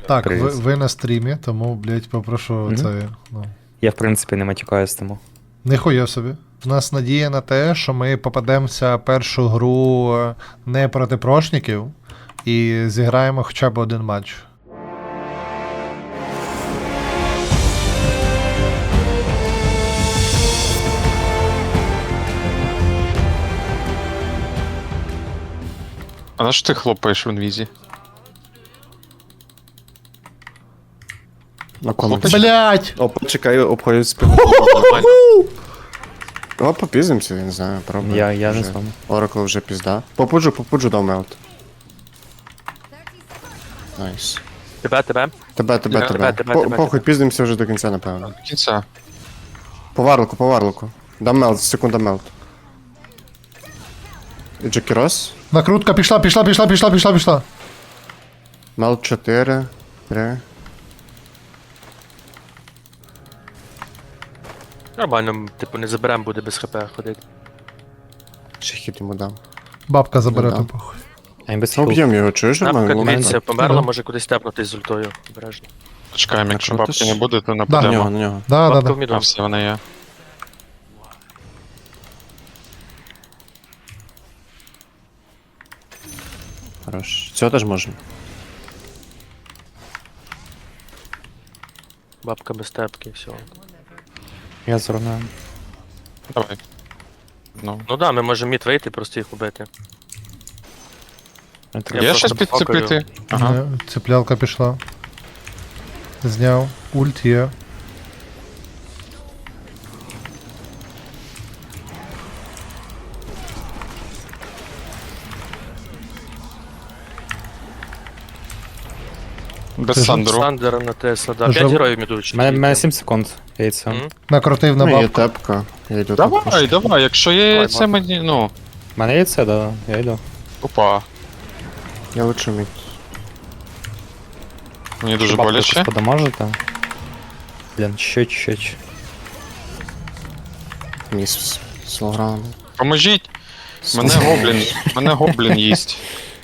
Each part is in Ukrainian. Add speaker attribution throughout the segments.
Speaker 1: Так,
Speaker 2: Привіт.
Speaker 1: ви на стрімі, тому, блядь, попрошу це. Ну.
Speaker 2: Я, в принципі, не матюкаюсь тому.
Speaker 1: Ніхуя собі. У нас надія на те, що ми попадемося першу гру не проти прошників і зіграємо хоча б один матч.
Speaker 3: А на що ти хлопаєш в інвізі?
Speaker 4: На кому?
Speaker 1: Блять!
Speaker 4: О, почекай, обходять спину. О, попіздимося, я не знаю, пробуй.
Speaker 2: Я не
Speaker 4: Вже.
Speaker 2: з вами.
Speaker 4: Oracle вже пізда. Попуджу дав мелт. Найс.
Speaker 5: Тебе.
Speaker 4: Тебе.
Speaker 5: Тебе.
Speaker 4: Похуй, піздимося вже до кінця, напевно.
Speaker 3: До кінця.
Speaker 4: По варлику. Дам мелт, секунда мелт. І Джекірос.
Speaker 1: Накрутка пішла.
Speaker 4: Мелт 4. 3.
Speaker 5: Нормально, типу, не заберем, буде без хп ходити.
Speaker 4: Ще хід йому дам.
Speaker 1: Бабка забере
Speaker 4: Ну,
Speaker 1: то
Speaker 4: да.
Speaker 1: похуй.
Speaker 2: А він без
Speaker 4: Ну,
Speaker 2: хіл.
Speaker 4: б'єм його, чуєш?
Speaker 5: Напка,
Speaker 4: Нормально.
Speaker 5: дивіться, померла,
Speaker 1: Ну.
Speaker 5: може кудись тепнутись з ультою. Обережно.
Speaker 3: Почекаємо, якщо
Speaker 4: Ну,
Speaker 3: бабки
Speaker 4: ти
Speaker 3: не
Speaker 4: ж-
Speaker 3: буде, то
Speaker 4: На
Speaker 1: Да.
Speaker 4: нього,
Speaker 3: нападемо.
Speaker 4: на нього.
Speaker 1: Да.
Speaker 5: Бабка в
Speaker 3: А
Speaker 5: міду.
Speaker 3: все, вона є.
Speaker 4: Хорош. Цього теж можна.
Speaker 5: Бабка без тепки, все.
Speaker 2: Я зруйную.
Speaker 3: Давай. Ну.
Speaker 5: Ну да, ми можемо мід вийти, просто їх убити.
Speaker 2: Я
Speaker 5: Я
Speaker 3: Є
Speaker 5: просто
Speaker 3: щось підцепити? Ага.
Speaker 1: Цеплялка пішла. Зняв. Ульт є.
Speaker 3: Без
Speaker 1: Це ж
Speaker 3: Сандеру.
Speaker 5: Сандера на Тесла, да.
Speaker 1: Жов-
Speaker 5: 5 героїв мідуть.
Speaker 2: У мене 7 секунд. Яйця.
Speaker 5: Мгм.
Speaker 1: Накрутив на
Speaker 4: Ну, є
Speaker 1: бабку.
Speaker 4: тепка. Я йду
Speaker 3: Давай, якщо є
Speaker 5: Давай,
Speaker 3: це мені, ну.
Speaker 2: У мене яйце, да, я йду.
Speaker 3: Опа.
Speaker 4: Я лучше мід.
Speaker 3: Мені дуже
Speaker 2: Бабку
Speaker 3: боляче.
Speaker 2: якось подамажити. Блін, чуть-чуть.
Speaker 4: Міс. Слограунд.
Speaker 3: Поможіть! Мене гоблін їсть.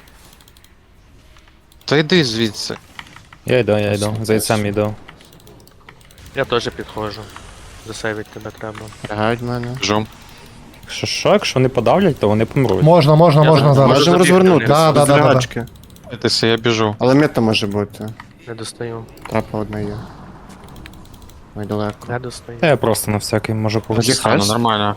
Speaker 3: Та йди звідси.
Speaker 2: Я йду. За яйцем йду.
Speaker 5: Я теж підходжу. Засейвить тебе треба.
Speaker 4: Лягають в мене.
Speaker 3: Жум.
Speaker 2: Якщо не подавлять, то вони помруть.
Speaker 1: Можна
Speaker 5: Я
Speaker 1: зараз.
Speaker 5: Можу
Speaker 4: Можемо
Speaker 5: забігти,
Speaker 4: розвернутися.
Speaker 1: да,
Speaker 4: без
Speaker 1: да.
Speaker 4: лягачки.
Speaker 3: Дивіться, я біжу.
Speaker 4: Але мета може бути.
Speaker 5: Не достаю.
Speaker 4: Трапа одна є. Ой, далеко.
Speaker 5: Не достаю.
Speaker 2: Та я просто на всякий можу
Speaker 4: Тоді
Speaker 2: повзти.
Speaker 3: Стану,
Speaker 4: хрест?
Speaker 3: нормально.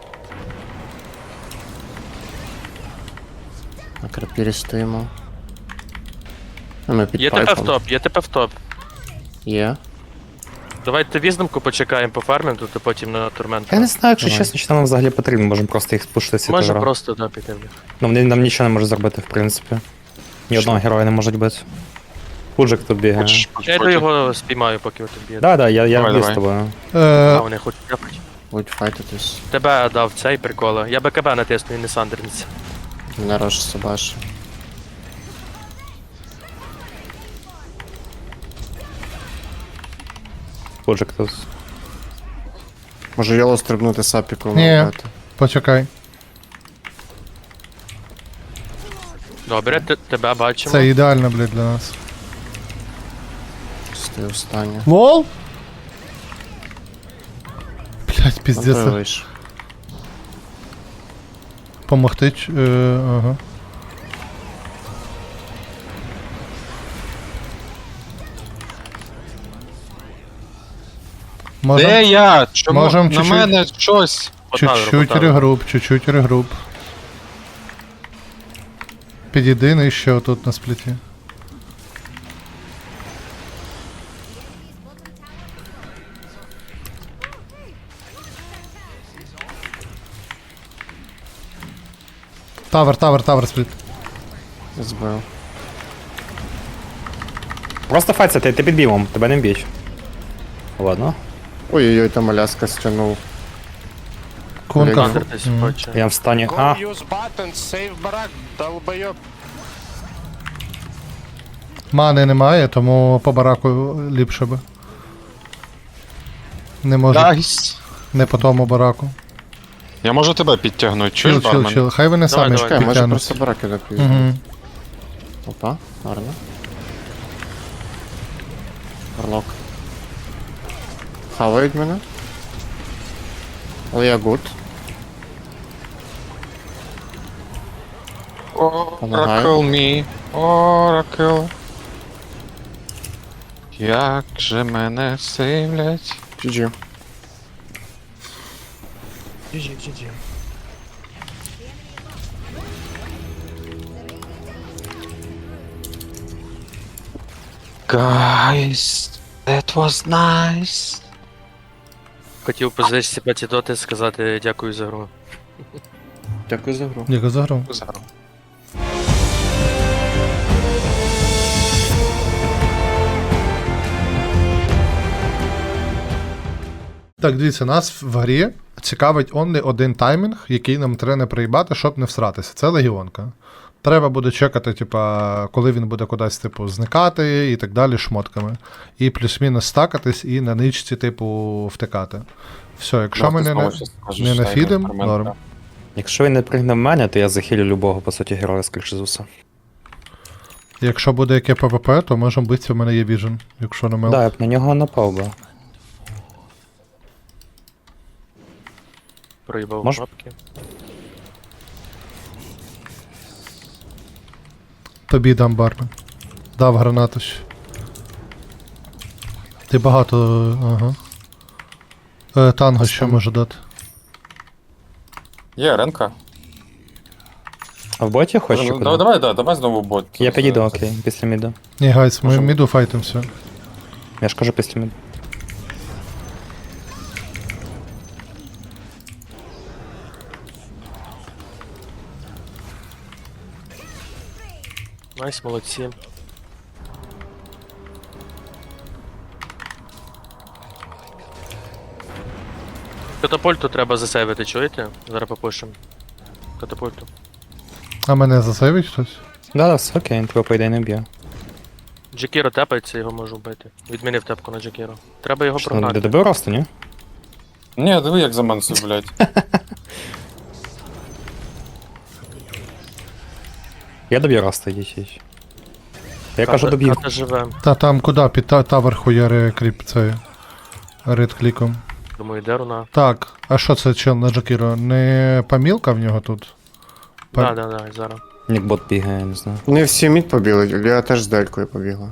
Speaker 4: На крапірі стоїмо. А ми під
Speaker 5: Є ТП в
Speaker 4: пайпом.
Speaker 5: топ, є ТП в топ.
Speaker 4: Є.
Speaker 5: Давайте віздомку почекаємо по фармінг, то потім на турмент.
Speaker 2: Я не знаю, якщо
Speaker 4: Давай.
Speaker 2: чесно, що нам взагалі потрібно, можемо просто їх спушити.
Speaker 5: Може просто да, піти в них.
Speaker 2: Ну, вони нам нічого не можуть зробити, в принципі. Ні одного героя не можуть бити. Пуджик тут бігає.
Speaker 3: Хочеш
Speaker 5: Я йду його спіймаю, поки ви тут б'єте.
Speaker 2: Да, я
Speaker 3: Давай,
Speaker 2: б'ю з
Speaker 3: давай.
Speaker 2: тобою.
Speaker 5: А вони хочуть тяпати.
Speaker 4: Будуть файтитись.
Speaker 5: Тебе дав цей прикола. Я БКБ натисну і не сандерниці.
Speaker 4: Мене рож собаш.
Speaker 2: Пуджик тут.
Speaker 4: Може йоло стрибнути сапіку.
Speaker 1: Ні.
Speaker 4: вбити.
Speaker 1: Почекай.
Speaker 5: Добре, тебе бачимо.
Speaker 1: Це ідеально, блядь, для нас.
Speaker 4: Стою останнє.
Speaker 1: Лол? Блядь, піздець.
Speaker 4: Вийш.
Speaker 1: Помогти. Ага. Можем
Speaker 3: Де я? Чому
Speaker 1: Можем
Speaker 3: на
Speaker 1: чуть-чуть-
Speaker 3: мене щось?
Speaker 1: чуть-чуть регруп. Підійди нижче отут на спліті. Тавер спліт.
Speaker 4: Збив.
Speaker 2: Просто файться, ти під бімом, тебе не б'ють. Ладно.
Speaker 4: Ой-ой-ой, там Аляска стягнув.
Speaker 1: Кунка.
Speaker 5: Сандернись хоче.
Speaker 2: Я в стані.
Speaker 6: Go
Speaker 2: А,
Speaker 6: use buttons, save барак, долбойоб.
Speaker 1: Мани немає, тому по бараку ліпше би. Не можу.
Speaker 3: Дайс.
Speaker 1: Не по тому бараку.
Speaker 3: Я можу тебе підтягнути, чуєш, бармен?
Speaker 1: Чил. Хай вони
Speaker 5: Давай,
Speaker 1: самі
Speaker 5: давай.
Speaker 4: Чекай, може
Speaker 1: підтягнуть.
Speaker 4: просто бараки допізно.
Speaker 1: Угу.
Speaker 4: Опа, гарно. Варлок. Хавають мене. Але я гуд. Помагаю.
Speaker 3: Oracle me, Oracle. Як же мене сивлять.
Speaker 4: GG.
Speaker 3: Guys, that was nice.
Speaker 5: Хотів позичити патідоти сказати дякую за гру.
Speaker 4: Дякую за гру.
Speaker 1: Дякую за гру.
Speaker 3: Зараз.
Speaker 1: Так, дивіться, нас в грі цікавить онly один таймінг, який нам треба не проїбати, щоб не всратися. Це легіонка. Треба буде чекати, типа, коли він буде кудись, типу, зникати і так далі шмотками. І плюс-мінус стакатись і на ничці, типу, втикати. Все, якщо ми не нафідим, норм.
Speaker 2: Якщо він не пригне в мене, то я захилю любого, по суті, героя, скоріше за все.
Speaker 1: Якщо буде яке ПВП, то можемо битися, в мене є віжен, якщо не мел.
Speaker 2: Да, я б на нього напав би.
Speaker 5: Проїбав
Speaker 2: Мож-
Speaker 5: кнопки.
Speaker 1: Тобі дам бармен. Дав гранату ще. Ти багато. Ага. Танго ще може дати.
Speaker 7: Є ренка.
Speaker 2: А в боті хочеш? чи куди?
Speaker 7: Давай знову бот.
Speaker 2: Я підійду, окей, після міду.
Speaker 1: Ні, гайс, ми
Speaker 7: Можемо.
Speaker 1: міду файтимся.
Speaker 2: Я ж кажу після міду.
Speaker 5: Найс, молодці. Катапульту треба засейвити, чуєте? Зараз попишемо. Катапульту.
Speaker 1: А мене засейвить хтось?
Speaker 2: Да, все окей, він тебе по ідеї не б'є.
Speaker 5: Джекіро тепається, його можу вбити. Відмінив тепку на Джекіро. Треба його
Speaker 2: Що,
Speaker 5: прогнати.
Speaker 2: не добив росту, ні?
Speaker 7: Ні, диви, як за мансу, блядь.
Speaker 2: Я доб'ю росту, їдь. Я кажу, доб'ю.
Speaker 5: Ката живе.
Speaker 1: Та там куди? Під тавер хуяри кріп цей. Ред кліком.
Speaker 5: Думаю, де руна.
Speaker 1: Так, а що це чел на Джакіро? Не помілка в нього тут?
Speaker 5: Да, зараз.
Speaker 2: Нікбот бігає, я не знаю.
Speaker 4: Не всі мід побігли, я теж з делькою побігла.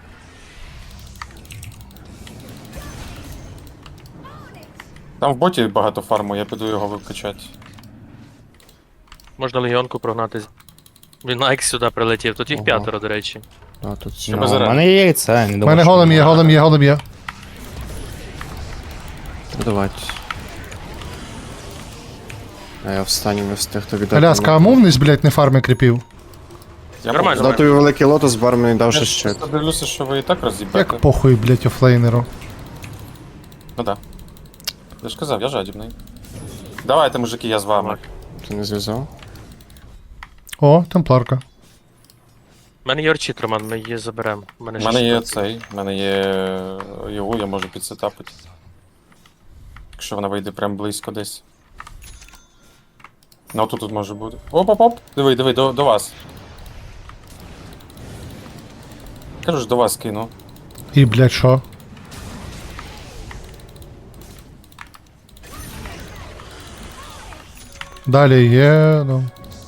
Speaker 7: Там в боті багато фарму, я піду його викачати.
Speaker 5: Можна легіонку прогнати. Він на Екс сюди прилетів. Тут їх
Speaker 4: Ого.
Speaker 5: 5, до речі.
Speaker 4: А, тут всі.
Speaker 7: Щоб
Speaker 2: Ну, у
Speaker 7: заряд.
Speaker 2: мене є яйце, я не
Speaker 1: У
Speaker 2: думаю,
Speaker 1: мене
Speaker 2: що-
Speaker 1: голем є.
Speaker 4: Давайте. А я в стані не встиг тобі дати.
Speaker 1: Аляска, а мовність, блядь, не фарми кріпів.
Speaker 7: Я
Speaker 5: Нормально.
Speaker 4: Дав тобі великий лотос, бар мені дав
Speaker 7: Я
Speaker 4: ще
Speaker 7: ж
Speaker 4: щит.
Speaker 7: просто дивлюся, що ви і так роз'їбете.
Speaker 1: Як похуй, блядь, офлейнеру.
Speaker 7: Ну да. Я ж казав, я жадібний. Давайте, мужики, я з вами.
Speaker 4: Ти не зв'язав?
Speaker 1: О, темпларка.
Speaker 5: У мене є орчит, Роман, ми її заберемо. У мене
Speaker 7: У мене
Speaker 5: ще
Speaker 7: є
Speaker 5: штуки.
Speaker 7: цей, у мене є його, я можу підсетапити. Якщо вона вийде прям близько десь. Ну тут може бути. Оп-оп-оп! Диви, до вас. Кажу ж, до вас кину.
Speaker 1: І, блядь, що? Далі є, ну.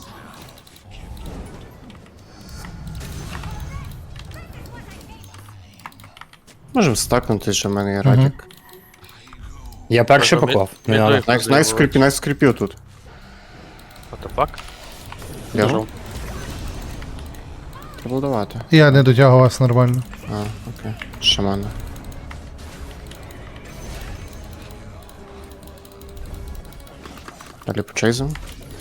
Speaker 4: Можемо стакнути, що в мене є радік.
Speaker 2: Я перший
Speaker 5: Можна
Speaker 2: поклав.
Speaker 5: мід-
Speaker 2: Не
Speaker 5: мідою.
Speaker 2: надо.
Speaker 4: Найс скріпів тут.
Speaker 5: What the fuck?
Speaker 4: Ляжу. Треба давати.
Speaker 1: Я не дотягувався нормально.
Speaker 4: А, окей. Шамана. Далі по чейзу.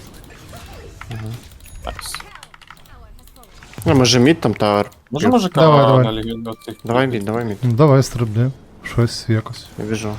Speaker 7: Найс.
Speaker 4: Ну, може мід там тавер.
Speaker 7: Може мужика
Speaker 1: Давай.
Speaker 7: на легіону цих.
Speaker 4: Давай мід.
Speaker 1: Ну, давай стрибни. Щось якось.
Speaker 4: Я біжу.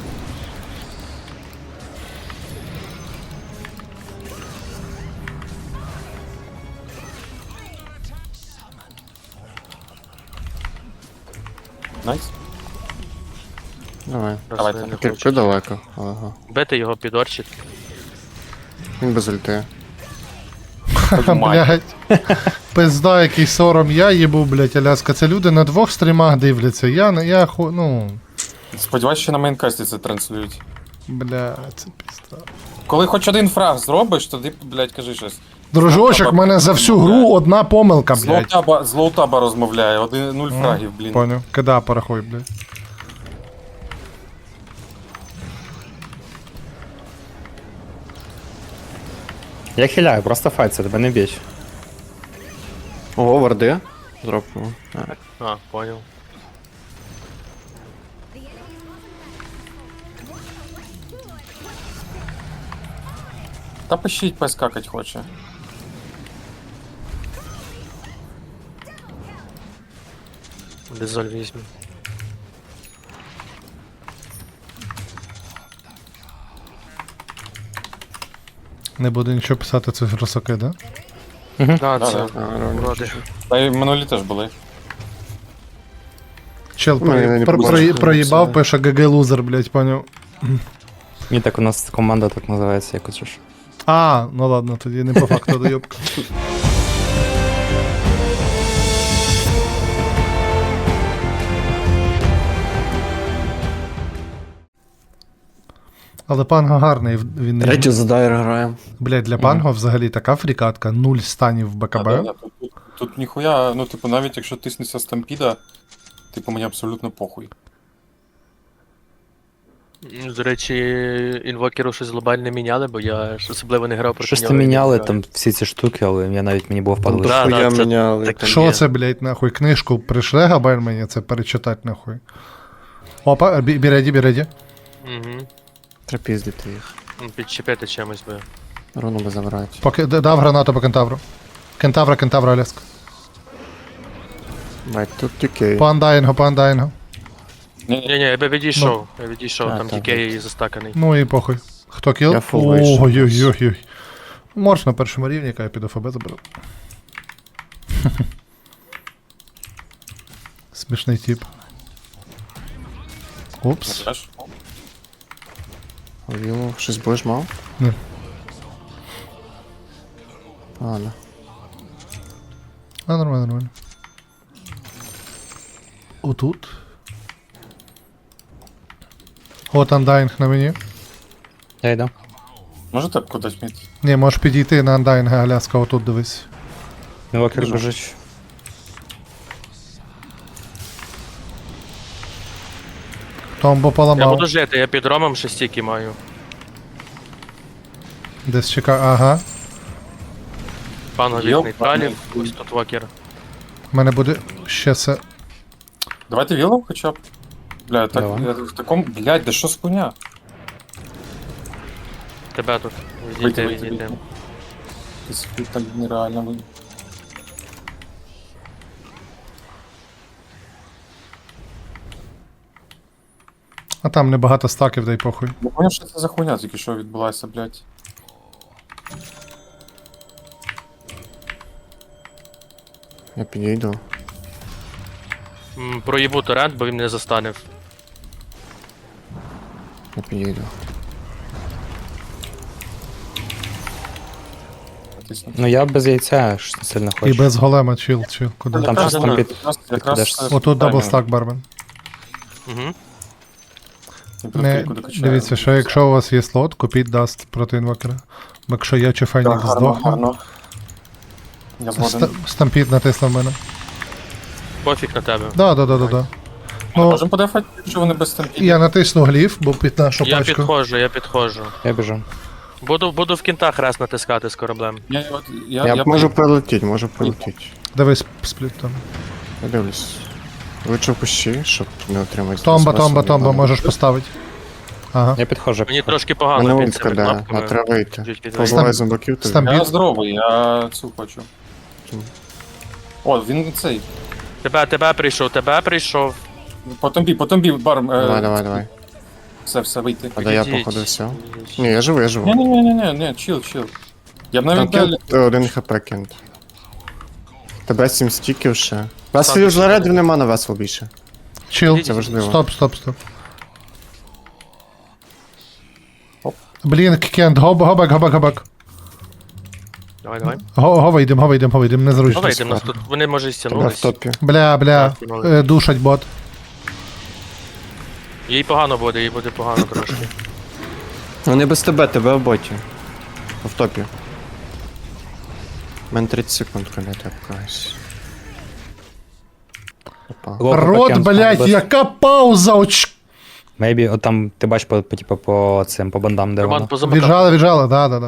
Speaker 7: Найс.
Speaker 4: Давай.
Speaker 7: Давайте.
Speaker 5: Просто я не
Speaker 4: Кирпи
Speaker 5: хочу.
Speaker 4: далеко. Ага.
Speaker 5: Бити його під орчит.
Speaker 4: Він без ульти.
Speaker 7: Твою мать.
Speaker 1: Блядь. Пизда, який сором я їбу, блядь, Аляска. Це люди на 2 стрімах дивляться. Ну,
Speaker 7: Сподіваюсь, що на мейнкасті це транслюють.
Speaker 1: бля, це пізда.
Speaker 7: Коли хоч один фраг зробиш, тоді, блядь, кажи щось.
Speaker 1: Дружочок, в мене за всю гру одна помилка, блядь.
Speaker 7: З лоутаба розмовляє, 0 фрагів, блін.
Speaker 1: Поняв. Кида порахуй, блядь.
Speaker 2: Я хиляю, просто файт, це тебе не б'ють.
Speaker 4: Ого, варди. Дропнув.
Speaker 5: А, понял.
Speaker 7: Та пишіть, пес какать хоче.
Speaker 5: Дезоль візьму.
Speaker 1: Не буду нічого писати, це росаки, да?
Speaker 5: Да,
Speaker 7: Да,
Speaker 5: це
Speaker 7: да.
Speaker 5: уроди.
Speaker 7: Та й минулі теж були.
Speaker 1: Чел
Speaker 4: Ну, я не побачив,
Speaker 1: проїбав,
Speaker 4: це-
Speaker 1: пише ГГ лузер, блядь, поняв.
Speaker 2: Ні, так у нас команда так називається, якось ж.
Speaker 1: А, ну ладно, тоді не по факту доєбка. Але панго гарний, він не.
Speaker 4: Третю за дайр граємо.
Speaker 1: Блядь, для панго взагалі така фрікатка, 0 станів в БКБ.
Speaker 7: Да, да, тут ніхуя, ну, типу, навіть якщо тиснеться стампіда, типу, мені абсолютно похуй.
Speaker 5: До речі, інвокеру щось глобально міняли, бо я ж особливо не грав проти
Speaker 2: Щось
Speaker 5: нього.
Speaker 2: там
Speaker 5: і не
Speaker 2: міняли,
Speaker 5: граю.
Speaker 2: там всі ці штуки, але я навіть мені було впадло.
Speaker 5: Да,
Speaker 4: Дохуя
Speaker 5: це
Speaker 4: міняли.
Speaker 5: так.
Speaker 1: Що
Speaker 5: є.
Speaker 1: це, блядь, нахуй? Книжку прийшли габель мені це перечитати нахуй. Опа, біреді.
Speaker 5: Угу.
Speaker 4: Треба піздити їх.
Speaker 5: Підчепити чимось би.
Speaker 4: Руну би забрати.
Speaker 1: Поки дав гранату по кентавру. Кентавра, Аляска.
Speaker 4: Бать, тут тюкей.
Speaker 1: По андайнгу.
Speaker 5: Ні, я би відійшов. Я відійшов,
Speaker 4: А,
Speaker 5: там
Speaker 4: так,
Speaker 5: тільки її застаканий.
Speaker 1: Ну і похуй. Хто кіл?
Speaker 4: Я фул вийшов.
Speaker 1: Ой-ой-ой. Морж на першому рівні, яка я піду ФБ заберу. Смішний тип. Упс.
Speaker 7: Знаєш?
Speaker 4: Віло, щось будеш мав?
Speaker 1: Ні.
Speaker 4: Ладно.
Speaker 1: А, нормально. Отут. От андайнг на мені.
Speaker 2: Я йду.
Speaker 7: Можете кудись міти?
Speaker 1: Ні, можеш підійти на андайнга, Аляска, отут дивись.
Speaker 2: Інвокер
Speaker 7: Біжу.
Speaker 2: біжить.
Speaker 1: Томбо
Speaker 5: Я
Speaker 1: поламав.
Speaker 5: буду жити, я під ромом ще стільки маю.
Speaker 1: Десь чекає. Ага.
Speaker 5: Панго від
Speaker 7: Йоп,
Speaker 5: нейтралів,
Speaker 7: пане.
Speaker 5: ось тут вокер.
Speaker 1: У мене буде ще це.
Speaker 7: Давайте вілом хоча б. Бля, так,
Speaker 2: Давай.
Speaker 7: я в такому, блядь, да що з хуйня?
Speaker 5: Тебе тут.
Speaker 7: Вийти,
Speaker 5: Відійди.
Speaker 7: вийти. Ти так нереально ви.
Speaker 1: А там небагато стаків, дай похуй.
Speaker 7: Не поняв, що це за хуйня тільки що відбулася, блядь.
Speaker 4: Я підійду.
Speaker 5: Проїбу торрент, бо він не застанив.
Speaker 4: Я підійду.
Speaker 7: Натисну.
Speaker 2: Ну я без яйця ж не сильно
Speaker 1: І
Speaker 2: хочу.
Speaker 1: без голема, чил, куди?
Speaker 2: Там
Speaker 7: Якраз,
Speaker 2: щось там
Speaker 7: якраз
Speaker 2: підкидеш.
Speaker 1: Отут даблстак, бармен.
Speaker 5: Угу.
Speaker 1: Не, дивіться, що якщо у вас є слот, купіть даст проти інвокера. Бо якщо я чи Фенікс
Speaker 7: гарно,
Speaker 1: здохне,
Speaker 7: гарно. Я згоден.
Speaker 1: стампід натиснув мене.
Speaker 5: Пофіг на тебе.
Speaker 1: Да. Ну,
Speaker 7: Можемо подефати, якщо вони без стампіді?
Speaker 1: я натисну гліф, бо під нашу
Speaker 5: Я
Speaker 1: пачку.
Speaker 5: підходжу.
Speaker 2: Я біжу.
Speaker 5: Буду в кінтах раз натискати з кораблем.
Speaker 4: Я можу прилетіти.
Speaker 1: Дивись, спліт там.
Speaker 4: Я дивлюсь. Лучше в кущі, щоб не отримати.
Speaker 1: Томба, можеш поставити. Ага.
Speaker 2: Я підходжу.
Speaker 5: Мені трошки
Speaker 4: Мене
Speaker 5: погано під
Speaker 4: ультка,
Speaker 5: цими
Speaker 4: да.
Speaker 5: кнопками.
Speaker 4: А треба вийти.
Speaker 5: Чуть під
Speaker 4: Позбувай зомбаків тобі.
Speaker 1: Стамп-
Speaker 7: Я здоровий, я цю хочу. О, він цей.
Speaker 5: Тебе прийшов.
Speaker 7: По томбі, бар.
Speaker 4: Давай.
Speaker 7: Все, вийти.
Speaker 4: А да я
Speaker 5: Відійдіть.
Speaker 4: походу все. Ні, я живу.
Speaker 7: Ні, чил. Я б
Speaker 4: Там
Speaker 7: навіть далі.
Speaker 4: кент, один хп кент. Тебе 7 стіків ще. Веселів
Speaker 5: Сам
Speaker 4: зарядів нема на весел більше.
Speaker 1: Чил.
Speaker 4: Це важливо.
Speaker 1: Стоп. Блін, кент, гобак.
Speaker 5: Давай.
Speaker 1: Го вийдем, незручно.
Speaker 5: Давай, йдемо, нас тут, вони може і
Speaker 4: Тебе в
Speaker 5: стягнулись.
Speaker 4: топі.
Speaker 1: Бля,
Speaker 5: Так, кінули.
Speaker 1: душать бот.
Speaker 5: Їй погано буде, їй буде погано трошки.
Speaker 4: Вони без тебе в боті. В топі. У мене 30 секунд, коли я тепкаюсь. Опа.
Speaker 2: Локо
Speaker 1: Рот,
Speaker 2: таке,
Speaker 1: блядь,
Speaker 2: без-
Speaker 1: яка пауза!
Speaker 2: Maybe, от там ти бачиш типу, по цим, по бандам, де
Speaker 5: Роман
Speaker 2: воно.
Speaker 5: позамикав.
Speaker 1: Віджали, да.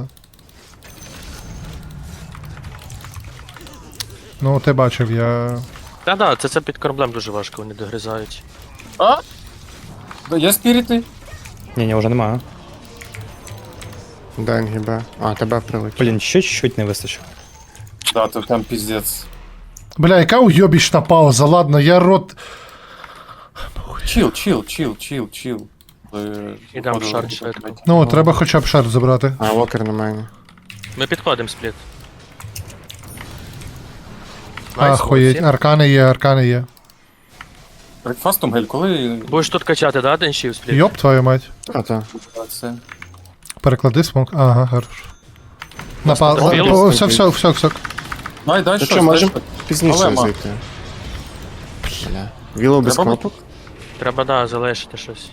Speaker 1: Ну, ти бачив, я.
Speaker 5: Да, це під кораблем дуже важко, вони догризають.
Speaker 7: Да, є спірити?
Speaker 2: Ні, вже немає.
Speaker 4: Дай НГБ. А, тебе прилетів.
Speaker 2: Блін, ще чуть-чуть не вистачило.
Speaker 7: Да, то там піздець.
Speaker 1: Бля, яка уйобічна пауза, ладно, я рот.
Speaker 7: Чил.
Speaker 5: Ідемо в шар швидко.
Speaker 1: Ну, треба хоча б шар забрати.
Speaker 4: А, Вокер на мені.
Speaker 5: Ми підходимо спліт. Найс,
Speaker 1: Ахуєть,
Speaker 5: молодці.
Speaker 1: аркани є.
Speaker 7: Брекфастом, Гель, коли
Speaker 5: Будеш тут качати, да, денщів спліт?
Speaker 1: Йоп, твою мать.
Speaker 4: А, то.
Speaker 7: це?
Speaker 1: Переклади смок. Ага, хорош. Напал.
Speaker 5: Зробили?
Speaker 1: О, все.
Speaker 7: Дай
Speaker 4: Ну
Speaker 7: щось,
Speaker 4: що, можемо
Speaker 7: дай
Speaker 4: пізніше
Speaker 7: Але, ма.
Speaker 4: зайти. Бля. Віло без
Speaker 7: Треба
Speaker 4: кнопок?
Speaker 5: Треба, да, залишити щось.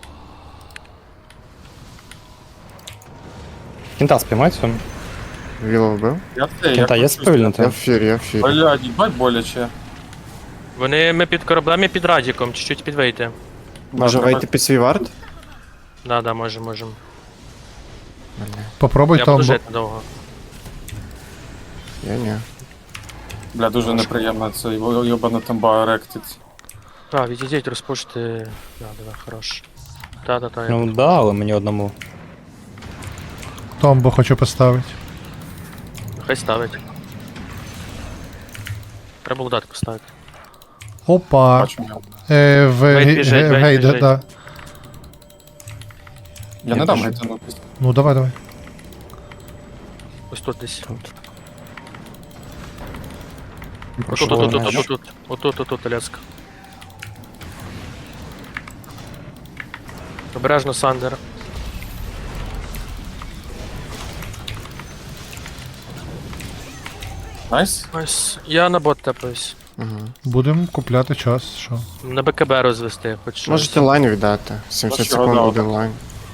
Speaker 2: Кінта спіймається.
Speaker 4: Віло вбив?
Speaker 7: Я це,
Speaker 2: Кінта є
Speaker 4: Я
Speaker 2: сповільнити?
Speaker 4: в фірі, я в фірі.
Speaker 7: Блядь, їбать боляче.
Speaker 5: Ми під кораблем і під радіком, чуть-чуть підвийти.
Speaker 4: Може вийти під свій варт?
Speaker 5: Да, можемо.
Speaker 1: Попробуй
Speaker 5: Я
Speaker 1: там.
Speaker 5: буду жити довго.
Speaker 4: Я ні.
Speaker 7: Бля, дуже неприємно це йобана тамба ректить.
Speaker 5: Так, відійдіть, розпушити. Да, хорош. Та, я...
Speaker 2: Ну да, але мені одному.
Speaker 1: Томбо хочу поставити.
Speaker 5: Хай ставить. Треба удатку ставити.
Speaker 1: Опа.
Speaker 7: Бачу.
Speaker 1: В
Speaker 5: Вейт біжить, Вейт
Speaker 1: гейд,
Speaker 5: біжить.
Speaker 1: да.
Speaker 7: Я не дам гайтанутись.
Speaker 1: Ну, давай.
Speaker 5: Ось тут десь.
Speaker 2: Прошу,
Speaker 5: Отут, Аляска. Обережно, Сандер.
Speaker 7: Найс?
Speaker 5: Ось, я на бот тепаюсь.
Speaker 4: Угу.
Speaker 1: Будемо купляти час, що.
Speaker 5: На БКБ розвести, хоч щось.
Speaker 4: Можете лайн віддати. 70
Speaker 7: Чого,
Speaker 4: секунд
Speaker 7: да,
Speaker 4: один лайн.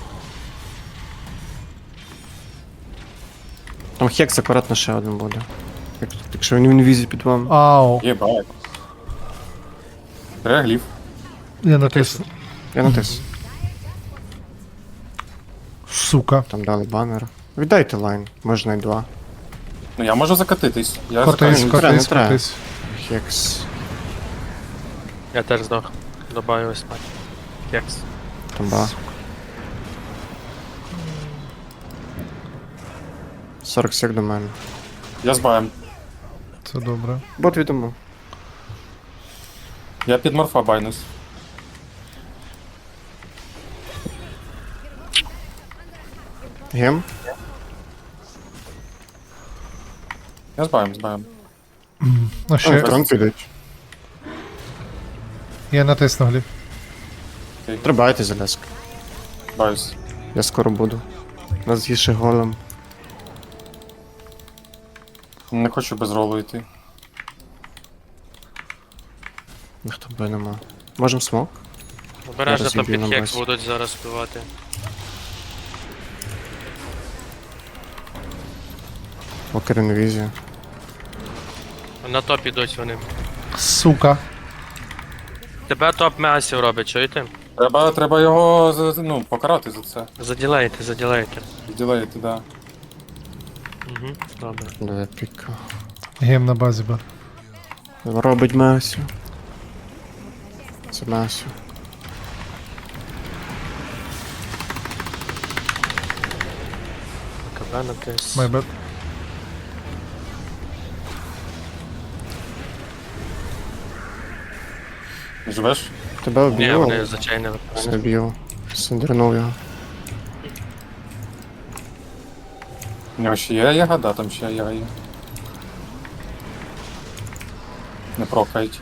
Speaker 4: Там хекс акуратно ще один буде. Якщо він в інвізі під вами.
Speaker 1: Ау.
Speaker 7: Єбать. Регліф.
Speaker 1: Я натис.
Speaker 4: Я натис.
Speaker 1: Сука.
Speaker 4: Там дали банер. Віддайте лайн, можна й два.
Speaker 7: Ну я можу закатитись. Я
Speaker 1: Котись,
Speaker 7: закатуюсь.
Speaker 4: не треба.
Speaker 1: котись.
Speaker 4: Хекс.
Speaker 5: Я теж здох. Добавив спать. Кекс.
Speaker 4: Тамба. 40 сек до мене.
Speaker 7: Я з баєм.
Speaker 1: Це добре.
Speaker 4: Бот відомо.
Speaker 7: Я під морфа байнусь.
Speaker 4: Гем.
Speaker 7: Я з баєм.
Speaker 1: А ще.
Speaker 4: Трон підуть.
Speaker 1: Я натиснув гліб.
Speaker 4: Трибайте залязка.
Speaker 7: Баюсь.
Speaker 4: Я скоро буду. Нас є ще голем.
Speaker 7: Не хочу без ролу йти.
Speaker 4: Ніхто б нема. Можем смок?
Speaker 5: Обережно
Speaker 4: Зараз
Speaker 5: там
Speaker 4: відбій
Speaker 5: під
Speaker 4: на
Speaker 5: хекс
Speaker 4: базі.
Speaker 5: будуть зараз вбивати.
Speaker 4: Вокер інвізія.
Speaker 5: На топ ідуть вони.
Speaker 1: Сука.
Speaker 5: Тебе топ мегасів робить, чуєте?
Speaker 7: Треба його покарати за це.
Speaker 5: Заділейте.
Speaker 7: Ділеїти, да.
Speaker 5: Угу, добре.
Speaker 4: Давай піка.
Speaker 1: Гем на базі бо.
Speaker 4: Робить Масю. Це Масю.
Speaker 5: КБ натис.
Speaker 1: My bad.
Speaker 7: Живеш?
Speaker 4: Тебе
Speaker 5: Ні,
Speaker 4: об'їв?
Speaker 5: вони зачайнили.
Speaker 4: Не об'їв. Сендернув його.
Speaker 7: У нього ще є ягода, там ще яга є. Не прокають.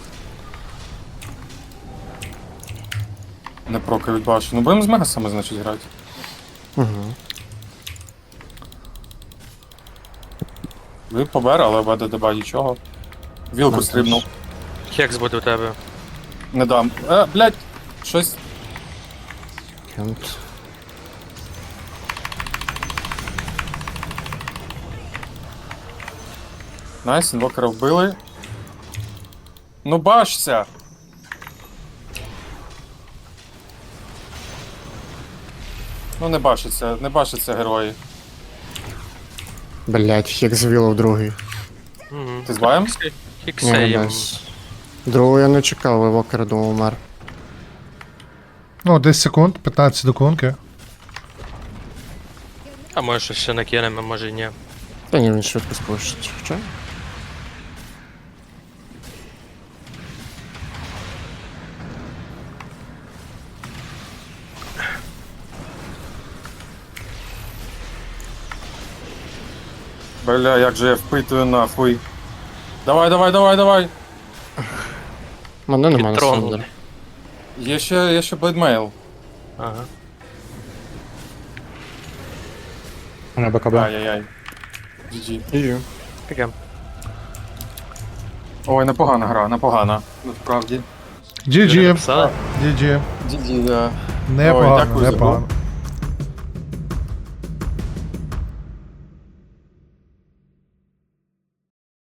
Speaker 7: Не прокають, бачу. Ну будемо з мегасами, значить, грати.
Speaker 4: Угу.
Speaker 7: Ви побер, але баде деба нічого. Вілку
Speaker 4: Нам
Speaker 7: стрибнув.
Speaker 5: Хекс буде у тебе.
Speaker 7: Не дам. Блядь, щось.
Speaker 4: Кент.
Speaker 7: Найс, інвокера вбили. Ну бачся! Ну не бачаться герої.
Speaker 4: Блять, як звіло в другий.
Speaker 5: Угу.
Speaker 7: Ти з баєм?
Speaker 4: Ні, не
Speaker 5: Хіксеєм.
Speaker 4: дасть. Другого я не чекав, евокера думав умер.
Speaker 1: Ну, 10 секунд, 15 до конки.
Speaker 5: А може щось ще накинемо, може і ні.
Speaker 4: Та ні, він швидко спушить. Хоча?
Speaker 7: Бля, як же я впитую нахуй. Давай.
Speaker 4: Мене нема на
Speaker 5: Підтронули.
Speaker 4: Сандер.
Speaker 7: Є ще блейдмейл.
Speaker 5: Ага.
Speaker 2: У мене БКБ.
Speaker 7: Ай-яй-яй. GG.
Speaker 4: Їжу.
Speaker 5: Таке.
Speaker 7: Ой, непогана гра, непогана. Насправді.
Speaker 1: GG.
Speaker 5: Писали?
Speaker 1: GG.
Speaker 7: GG, да.
Speaker 1: Непогано,
Speaker 7: дякую за гру.
Speaker 1: непогано.